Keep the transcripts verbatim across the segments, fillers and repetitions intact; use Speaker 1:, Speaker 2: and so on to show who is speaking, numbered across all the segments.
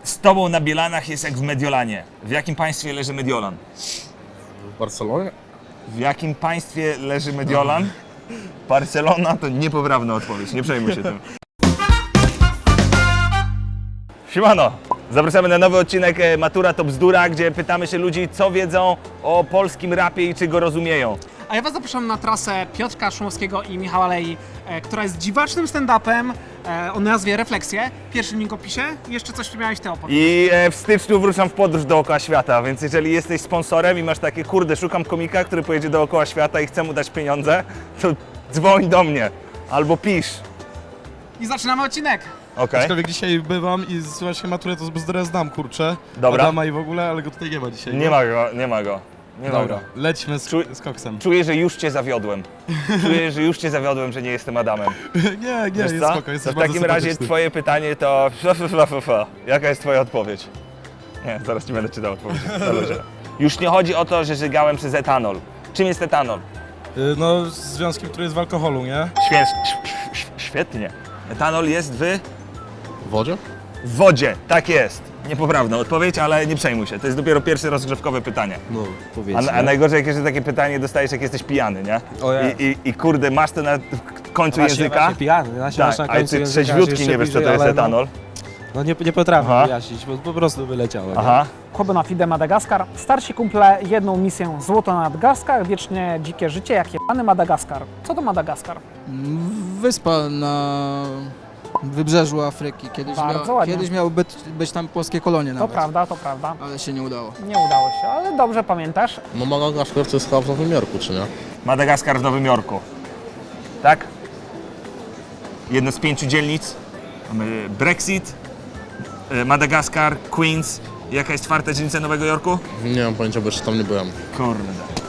Speaker 1: Z tobą na Bielanach jest jak w Mediolanie. W jakim państwie leży Mediolan?
Speaker 2: W Barcelonie?
Speaker 1: W jakim państwie leży Mediolan? Barcelona to niepoprawna odpowiedź, nie przejmuj się tym. Siemano! Zapraszamy na nowy odcinek Matura to bzdura, gdzie pytamy się ludzi, co wiedzą o polskim rapie i czy go rozumieją.
Speaker 3: A ja Was zapraszam na trasę Piotrka Szumowskiego i Michała Lei, e, która jest dziwacznym stand-upem e, o nazwie Refleksje. Pierwszy link w opisie. Jeszcze coś miałeś Ty opowiedzieć.
Speaker 1: I e, w styczniu wruszam w podróż dookoła świata, więc jeżeli jesteś sponsorem i masz takie, kurde, szukam komika, który pojedzie dookoła świata i chce mu dać pieniądze, to dzwoń do mnie albo pisz.
Speaker 3: I zaczynamy odcinek.
Speaker 1: Okay.
Speaker 2: Aczkolwiek dzisiaj bywam i właśnie maturę to z bzdurę znam, kurczę.
Speaker 1: Dobra.
Speaker 2: Adama i w ogóle, ale go tutaj nie ma dzisiaj.
Speaker 1: Nie ma go, nie ma go. Nie ma
Speaker 2: Dobra,
Speaker 1: go.
Speaker 2: lećmy z,
Speaker 1: Czuj-
Speaker 2: z koksem.
Speaker 1: Czuję, że już cię zawiodłem. Czuję, że już cię zawiodłem, że nie jestem Adamem.
Speaker 2: nie, nie,
Speaker 1: Wiesz
Speaker 2: jest
Speaker 1: co?
Speaker 2: spoko,
Speaker 1: To
Speaker 2: jesteś
Speaker 1: w
Speaker 2: bardzo
Speaker 1: takim razie
Speaker 2: sympatyczny.
Speaker 1: twoje pytanie to... Jaka jest twoja odpowiedź? Nie, zaraz ci będę czytał odpowiedź. Na luzie. Już nie chodzi o to, że żygałem przez etanol. Czym jest etanol?
Speaker 2: Y, No, z związkiem, który jest w alkoholu, nie?
Speaker 1: Świę... Świetnie. Etanol jest w...
Speaker 2: W wodzie?
Speaker 1: w wodzie. Tak jest. Niepoprawna odpowiedź, ale nie przejmuj się. To jest dopiero pierwsze rozgrzewkowe pytanie.
Speaker 2: No,
Speaker 1: A,
Speaker 2: powiedzmy.
Speaker 1: a najgorzej, jak jeszcze takie pytanie dostajesz, jak jesteś pijany, nie?
Speaker 4: O ja.
Speaker 1: I, i, I kurde, masz to na końcu
Speaker 4: Właśnie,
Speaker 1: języka.
Speaker 4: właśnie pijany, właśnie
Speaker 1: Tak,
Speaker 4: masz na
Speaker 1: ale
Speaker 4: końcu
Speaker 1: ty
Speaker 4: języka, że
Speaker 1: trzeźwiutki
Speaker 4: jeszcze
Speaker 1: nie wiesz, co
Speaker 4: bliżej,
Speaker 1: to jest
Speaker 4: ale
Speaker 1: etanol.
Speaker 4: No, no nie, nie potrafię
Speaker 1: Aha.
Speaker 4: wyjaśnić, bo po prostu wyleciało. nie?
Speaker 1: Aha.
Speaker 3: Chłoby na Fide Madagaskar. Starsi kumple jedną misję złoto na Madagaskar, wiecznie dzikie życie, jak jebany Madagaskar. Co to Madagaskar?
Speaker 5: Wyspa na wybrzeżu Afryki. Kiedyś,
Speaker 3: Bardzo
Speaker 5: miał,
Speaker 3: ładnie.
Speaker 5: kiedyś miały być, być tam polskie kolonie
Speaker 3: To
Speaker 5: nawet,
Speaker 3: prawda, to prawda.
Speaker 5: ale się nie udało.
Speaker 3: Nie udało się, ale dobrze pamiętasz.
Speaker 2: No Madagaskar to jest chyba w Nowym Jorku, czy nie?
Speaker 1: Madagaskar w Nowym Jorku. Tak? Jedno z pięciu dzielnic. Mamy Brexit, y, Madagaskar, Queens. Jaka jest czwarta dzielnica Nowego Jorku?
Speaker 2: Nie mam pojęcia, bo jeszcze tam nie byłem.
Speaker 1: Kurde.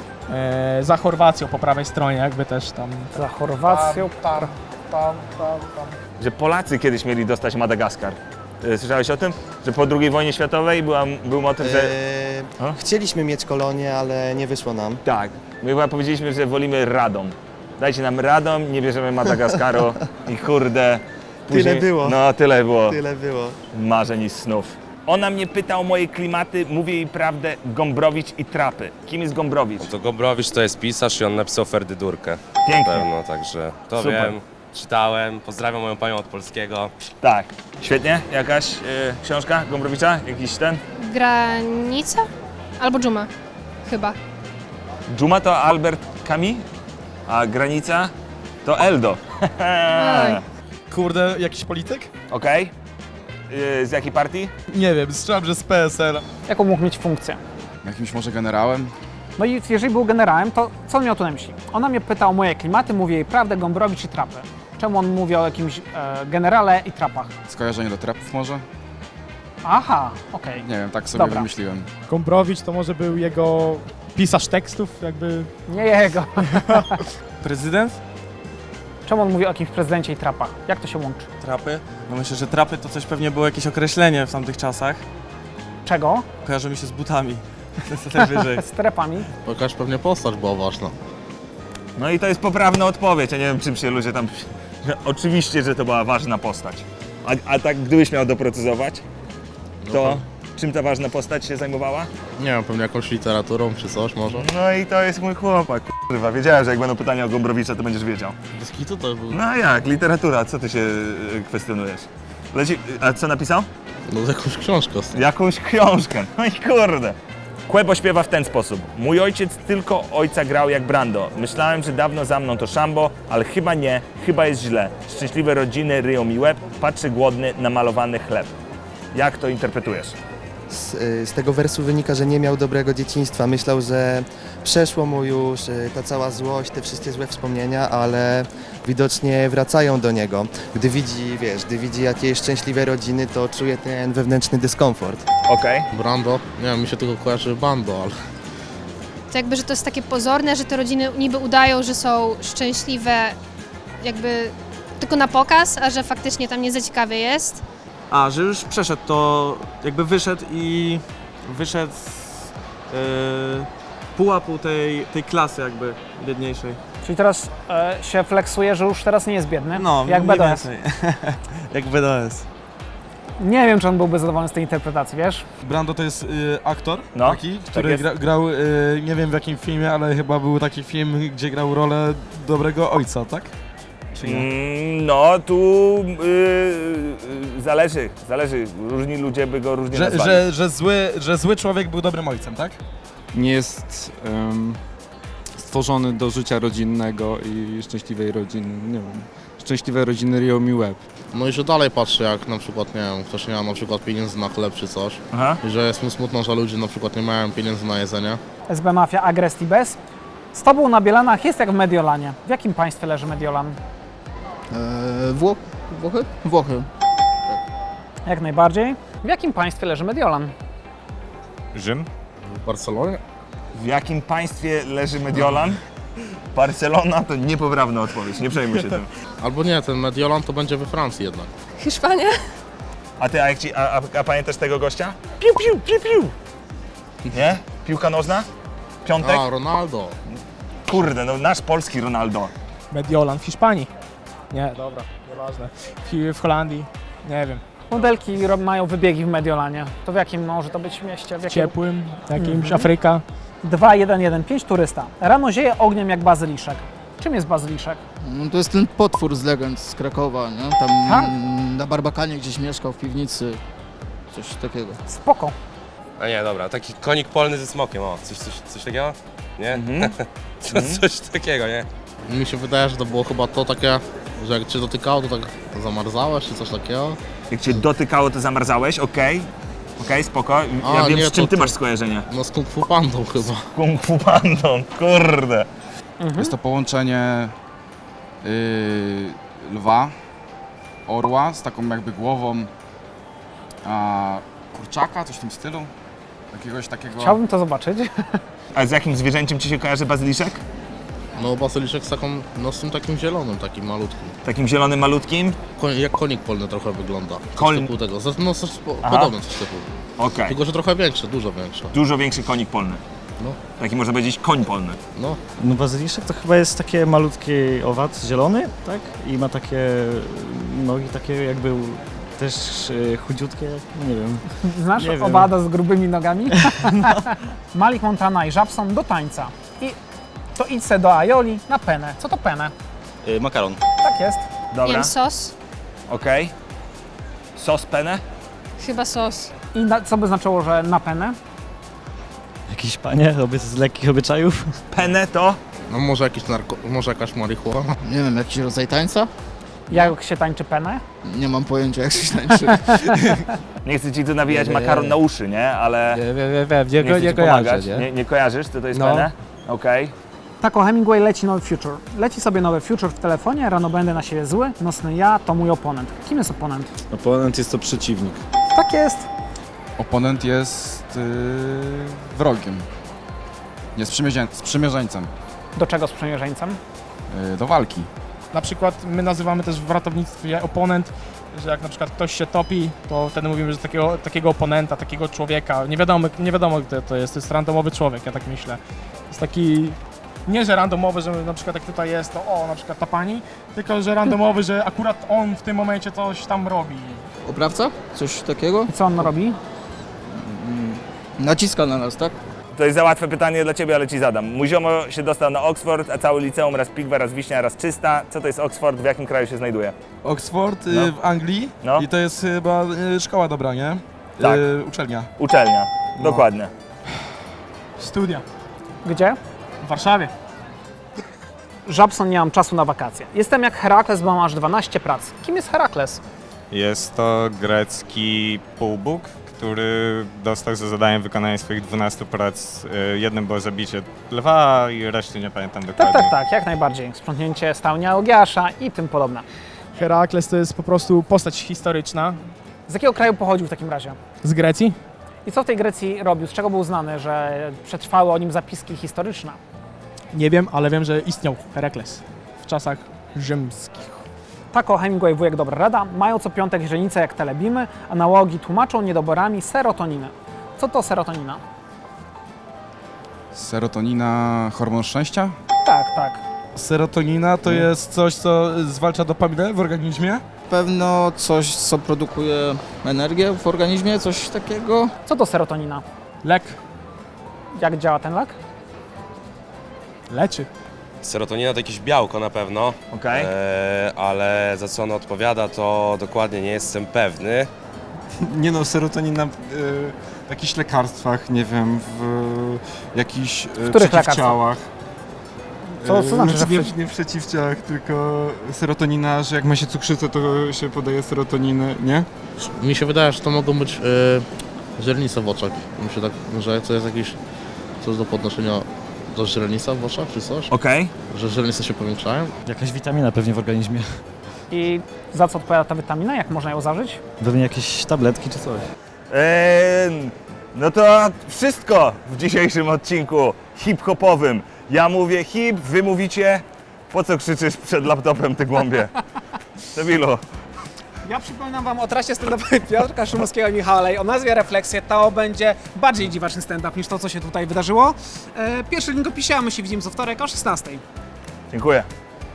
Speaker 3: E, za Chorwacją po prawej stronie, jakby też tam. Za Chorwacją. Tam, tam, tam, tam.
Speaker 1: Że Polacy kiedyś mieli dostać Madagaskar. Y, Słyszałeś o tym? Że po drugiej wojnie światowej była, był motyw, że...
Speaker 6: Eee,
Speaker 1: A?
Speaker 6: chcieliśmy mieć kolonię, ale nie wyszło nam.
Speaker 1: Tak. My chyba powiedzieliśmy, że wolimy Radom. Dajcie nam Radom, nie bierzemy Madagaskaru i kurde...
Speaker 6: Tyle było.
Speaker 1: No, tyle było.
Speaker 6: Tyle było.
Speaker 1: Marzeń i snów. Ona mnie pyta o moje klimaty, mówię jej prawdę, Gombrowicz i Trapy. Kim jest Gombrowicz?
Speaker 7: To Gombrowicz to jest pisarz i on napisał Ferdydurkę.
Speaker 1: Pięknie.
Speaker 7: Pewno, także to
Speaker 1: Super.
Speaker 7: wiem, czytałem, pozdrawiam moją panią od polskiego.
Speaker 1: Tak. Świetnie. Jakaś y, książka Gombrowicza? Jakiś ten?
Speaker 8: Granica? Albo dżuma, chyba.
Speaker 1: Dżuma to Albert Camus, a Granica to Eldo.
Speaker 8: Oj.
Speaker 2: Kurde, jakiś polityk?
Speaker 1: Okej. Y, z jakiej partii?
Speaker 2: Nie wiem, strzelam, że z P S L.
Speaker 3: Jaką mógł mieć funkcję?
Speaker 9: Jakimś może generałem?
Speaker 3: No i jeżeli był generałem, to co on miał tu na myśli? Ona mnie pyta o moje klimaty, mówię jej prawdę, Gombrowicz i Trapy. Czemu on mówi o jakimś e, generale i trapach?
Speaker 9: Skojarzenie do trapów może?
Speaker 3: Aha, okej.
Speaker 9: Nie wiem, tak sobie
Speaker 3: Dobra.
Speaker 9: wymyśliłem.
Speaker 10: Gombrowicz to może był jego pisarz tekstów, jakby...
Speaker 3: Nie jego.
Speaker 4: Prezydent?
Speaker 3: Czemu on mówi o jakimś prezydencie i trapach? Jak to się łączy?
Speaker 4: Trapy? No myślę, że trapy to coś pewnie było jakieś określenie w tamtych czasach.
Speaker 3: Czego?
Speaker 4: Kojarzy mi się z butami. To najwyżej.
Speaker 3: Z trapami.
Speaker 2: Jakaś pewnie postać była ważna.
Speaker 1: No i to jest poprawna odpowiedź. Ja nie wiem, czym się ludzie tam... Że oczywiście, że to była ważna postać. A, a tak gdybyś miał doprecyzować, to czym ta ważna postać się zajmowała?
Speaker 2: Nie wiem, pewnie jakąś literaturą czy coś może.
Speaker 1: No i to jest mój chłopak, kurwa. Wiedziałem, że jak będą pytania o Gombrowicza, to będziesz wiedział.
Speaker 2: Bez kitu to był...
Speaker 1: No jak, literatura, co ty się y, kwestionujesz? Leci, a co napisał?
Speaker 2: No jakąś książkę.
Speaker 1: Jakąś książkę, no i kurde. Kłebo śpiewa w ten sposób. Mój ojciec tylko ojca grał jak Brando. Myślałem, że dawno za mną to szambo, ale chyba nie, chyba jest źle. Szczęśliwe rodziny ryją mi łeb, patrzy głodny na malowany chleb. Jak to interpretujesz?
Speaker 6: Z, y, z tego wersu wynika, że nie miał dobrego dzieciństwa. Myślał, że przeszło mu już y, ta cała złość, te wszystkie złe wspomnienia, ale widocznie wracają do niego. Gdy widzi, wiesz, gdy widzi jakieś szczęśliwe rodziny, to czuje ten wewnętrzny dyskomfort.
Speaker 1: Okej.
Speaker 2: Brando? Nie wiem, mi się tylko kojarzy Bando, ale...
Speaker 8: To jakby, że to jest takie pozorne, że te rodziny niby udają, że są szczęśliwe jakby tylko na pokaz, a że faktycznie tam nie za ciekawie jest.
Speaker 4: A, że już przeszedł, to jakby wyszedł i wyszedł z yy, pułapu tej, tej klasy jakby biedniejszej.
Speaker 3: Czyli teraz e, się flexuje, że już teraz nie jest biedny.
Speaker 4: No,
Speaker 3: jak
Speaker 4: mniej
Speaker 3: B D S.
Speaker 4: więcej. Jak B D S.
Speaker 3: Nie wiem, czy on byłby zadowolony z tej interpretacji, wiesz?
Speaker 2: Brando to jest y, aktor
Speaker 1: No,
Speaker 2: taki,
Speaker 1: tak
Speaker 2: który
Speaker 1: jest.
Speaker 2: gra, grał, y, nie wiem w jakim filmie, ale chyba był taki film, gdzie grał rolę dobrego ojca, tak? Czy nie?
Speaker 1: Mm, no, tu yy, yy, zależy, zależy. Różni ludzie by go różnie
Speaker 2: Że,
Speaker 1: nazwali.
Speaker 2: że, że, zły, że zły człowiek był dobrym ojcem, tak?
Speaker 11: Nie jest em, stworzony do życia rodzinnego i szczęśliwej rodziny, nie wiem, szczęśliwej rodziny ryją mi łeb.
Speaker 12: No i że dalej patrzy, jak na przykład, nie wiem, ktoś nie ma na przykład pieniędzy na chleb czy coś.
Speaker 1: Aha.
Speaker 12: I że jest mu smutno, że ludzie na przykład nie mają pieniędzy na jedzenie.
Speaker 3: S B Mafia Agrest i Bez. Z tobą na Bielanach jest jak w Mediolanie. W jakim państwie leży Mediolan?
Speaker 5: Eee, Wło Włochy? Włochy.
Speaker 3: Jak najbardziej. W jakim państwie leży Mediolan?
Speaker 11: Rzym?
Speaker 12: W Barcelonie?
Speaker 1: W jakim państwie leży Mediolan? Barcelona to niepoprawna odpowiedź, nie przejmuj się tym.
Speaker 12: Albo nie, ten Mediolan to będzie we Francji jednak.
Speaker 8: Hiszpania?
Speaker 1: A ty, a, jak ci, a, a, a pamiętasz tego gościa? Piu, piu, piu, piu. Nie? Piłka nożna? Piątek?
Speaker 12: A, Ronaldo.
Speaker 1: Kurde, no nasz polski Ronaldo.
Speaker 10: Mediolan w Hiszpanii. Nie, dobra, nieważne. W, w Holandii, nie wiem.
Speaker 3: Modelki ro- mają wybiegi w Mediolanie. To w jakim może to być mieście? W jakim...
Speaker 10: Ciepłym, jakimś
Speaker 3: Mhm.
Speaker 10: Afryka.
Speaker 3: dwa jeden jeden pięć turysta. Rano zieje ogniem jak bazyliszek. Czym jest bazyliszek?
Speaker 5: No, to jest ten potwór z legend z Krakowa, nie? Tam
Speaker 3: Tak?
Speaker 5: mm, na Barbakanie gdzieś mieszkał w piwnicy. Coś takiego.
Speaker 3: Spoko.
Speaker 7: A nie, dobra, taki konik polny ze smokiem, o, coś, coś, coś takiego? Nie?
Speaker 1: Mhm.
Speaker 7: Co, coś takiego, nie?
Speaker 12: Mi się wydaje, że to było chyba to takie, że jak cię dotykało, to tak zamarzałeś czy coś takiego.
Speaker 1: Jak cię dotykało, to zamarzałeś, okej. Okej, spoko. Ja
Speaker 12: A,
Speaker 1: wiem,
Speaker 12: nie,
Speaker 1: z czym
Speaker 12: to-
Speaker 1: ty
Speaker 12: to-
Speaker 1: masz skojarzenie.
Speaker 12: No z Kung Fu Pandą chyba.
Speaker 1: Kung Fu Pandą, kurde.
Speaker 9: Jest to połączenie y, lwa, orła z taką jakby głową a, kurczaka, coś w tym stylu. Jakiegoś takiego...
Speaker 3: Chciałbym to zobaczyć.
Speaker 1: A z jakim zwierzęciem ci się kojarzy bazyliszek?
Speaker 12: No bazyliszek z taką, no z tym takim zielonym, takim malutkim.
Speaker 1: Takim zielonym, malutkim?
Speaker 12: Koń, jak konik polny trochę wygląda. Coś
Speaker 1: Koń-
Speaker 12: typu tego. Ze- No coś po,
Speaker 1: Aha.
Speaker 12: podobne coś typu.
Speaker 1: Okej.
Speaker 12: Tylko, że trochę większe, dużo większe.
Speaker 1: Dużo większy konik polny.
Speaker 12: No.
Speaker 1: Taki można powiedzieć koń polny.
Speaker 12: No.
Speaker 13: No bazyliszek to chyba jest takie malutki owad zielony, tak? I ma takie nogi takie jakby też e, chudziutkie, no nie wiem.
Speaker 3: Znasz
Speaker 13: Nie wiem.
Speaker 3: owada z grubymi nogami? Malik Montana i Żabson do tańca. I to idź se do Aioli na penę. Co to penę?
Speaker 13: E, makaron.
Speaker 3: Tak jest.
Speaker 8: Nie
Speaker 1: Dobra,
Speaker 8: wiem, sos?
Speaker 1: okej. Sos penne?
Speaker 8: Chyba sos.
Speaker 3: I na, co by znaczyło, że na penę?
Speaker 13: Jakiś panie, oby z lekkich obyczajów.
Speaker 1: Penne to?
Speaker 12: No może jakiś narko... może jakaś marihuana.
Speaker 5: Nie wiem, jakiś rodzaj tańca?
Speaker 3: Jak się tańczy penę?
Speaker 5: Nie mam pojęcia, jak się tańczy.
Speaker 1: Nie chcę ci tu nawijać
Speaker 10: Nie, nie,
Speaker 1: makaron
Speaker 10: nie.
Speaker 1: na uszy, nie? Ale
Speaker 10: Nie wiem, wiem, wiem, nie,
Speaker 1: nie chcę
Speaker 10: nie
Speaker 1: ci
Speaker 10: kojarzę,
Speaker 1: pomagać.
Speaker 10: nie?
Speaker 1: Nie, nie kojarzysz, co to jest
Speaker 10: No.
Speaker 1: penne? Okej.
Speaker 3: Tako Hemingway leci nowy Future. Leci sobie nowy Future w telefonie, rano będę na siebie zły, nocny ja to mój oponent. Kim jest oponent?
Speaker 11: Oponent jest to przeciwnik.
Speaker 3: Tak jest.
Speaker 9: Oponent jest y, wrogiem. Nie, sprzymierzeń, sprzymierzeńcem
Speaker 3: Do czego sprzymierzeńcem?
Speaker 9: y, do walki.
Speaker 10: Na przykład my nazywamy też w ratownictwie oponent, że jak na przykład ktoś się topi, to wtedy mówimy, że takiego, takiego oponenta, takiego człowieka, nie wiadomo, nie wiadomo kto to jest, to jest randomowy człowiek, ja tak myślę. Jest taki, nie że randomowy, że na przykład jak tutaj jest, to o, na przykład ta pani, tylko że randomowy, że akurat on w tym momencie coś tam robi.
Speaker 5: Oprawca? Coś takiego?
Speaker 3: I co on robi?
Speaker 5: Naciska na nas, tak?
Speaker 1: To jest za łatwe pytanie dla ciebie, ale ci zadam. Mój ziomo się dostał na Oxford, a całe liceum raz pigwa, raz wiśnia, raz czysta. Co to jest Oxford? W jakim kraju się znajduje?
Speaker 2: Oxford y,
Speaker 1: No.
Speaker 2: w Anglii
Speaker 1: No.
Speaker 2: i to jest chyba y, szkoła dobra, nie?
Speaker 1: Tak.
Speaker 2: Y, uczelnia.
Speaker 1: Uczelnia.
Speaker 2: No.
Speaker 1: Dokładnie.
Speaker 10: Studia
Speaker 3: Gdzie?
Speaker 10: w Warszawie.
Speaker 3: Żabson, nie mam czasu na wakacje. Jestem jak Herakles, bo mam aż dwanaście prac. Kim jest Herakles?
Speaker 11: Jest to grecki półbóg, który dostał za zadanie wykonanie swoich dwunastu prac. Y, Jednym było zabicie lwa i reszty nie pamiętam
Speaker 3: Tak,
Speaker 11: dokładnie.
Speaker 3: tak, tak, jak najbardziej. Sprzątnięcie stałnia Ogiasza i tym podobne.
Speaker 10: Herakles to jest po prostu postać historyczna
Speaker 3: Z jakiego kraju pochodził w takim razie?
Speaker 10: z Grecji.
Speaker 3: I co w tej Grecji robił? Z czego był znany, że przetrwały o nim zapiski historyczne?
Speaker 10: Nie wiem, ale wiem, że istniał Herakles w czasach rzymskich.
Speaker 3: Tako Hemingway, wujek dobra rada, mają co piątek źrenice jak telebimy, analogi tłumaczą niedoborami serotoniny. Co to serotonina?
Speaker 9: Serotonina, hormon szczęścia?
Speaker 3: Tak, tak.
Speaker 2: Serotonina to jest coś, co zwalcza dopaminę w organizmie
Speaker 5: pewno coś, co produkuje energię w organizmie, coś takiego.
Speaker 3: Co to serotonina?
Speaker 10: Lek
Speaker 3: Jak działa ten lek?
Speaker 10: leczy.
Speaker 7: Serotonina to jakieś białko na pewno,
Speaker 1: Okej.
Speaker 7: e, ale za co ono odpowiada, to dokładnie nie jestem pewny.
Speaker 2: Nie no, serotonina w jakichś lekarstwach, nie wiem, w jakichś
Speaker 3: których lekarstwach?
Speaker 2: przeciwciałach.
Speaker 3: Co- co znaczy, że w
Speaker 2: nie,
Speaker 3: przeci-
Speaker 2: nie w przeciwciałach, tylko serotonina, że jak ma się cukrzycę, to się podaje serotoninę, nie?
Speaker 12: Mi się wydaje, że to mogą być e, źrenice w oczach. Mi się tak, że to jest jakiś coś do podnoszenia do źrenic w oczach czy coś,
Speaker 1: Okej.
Speaker 12: że źrenice się powiększają.
Speaker 13: Jakaś witamina pewnie w organizmie.
Speaker 3: I za co odpowiada ta witamina? Jak można ją zażyć?
Speaker 13: Pewnie jakieś tabletki czy coś.
Speaker 1: Eee, no to wszystko w dzisiejszym odcinku hip-hopowym. Ja mówię hip, wy mówicie, po co krzyczysz przed laptopem, ty głąbie? Debilu.
Speaker 3: Ja przypominam wam o trasie stand-upowej Piotrka Szumowskiego i Michała Lej o nazwie Refleksje. To będzie bardziej dziwaczny stand-up niż to, co się tutaj wydarzyło. E, Pierwszy link w opisie, a my się widzimy co wtorek o szesnastej.
Speaker 1: Dziękuję.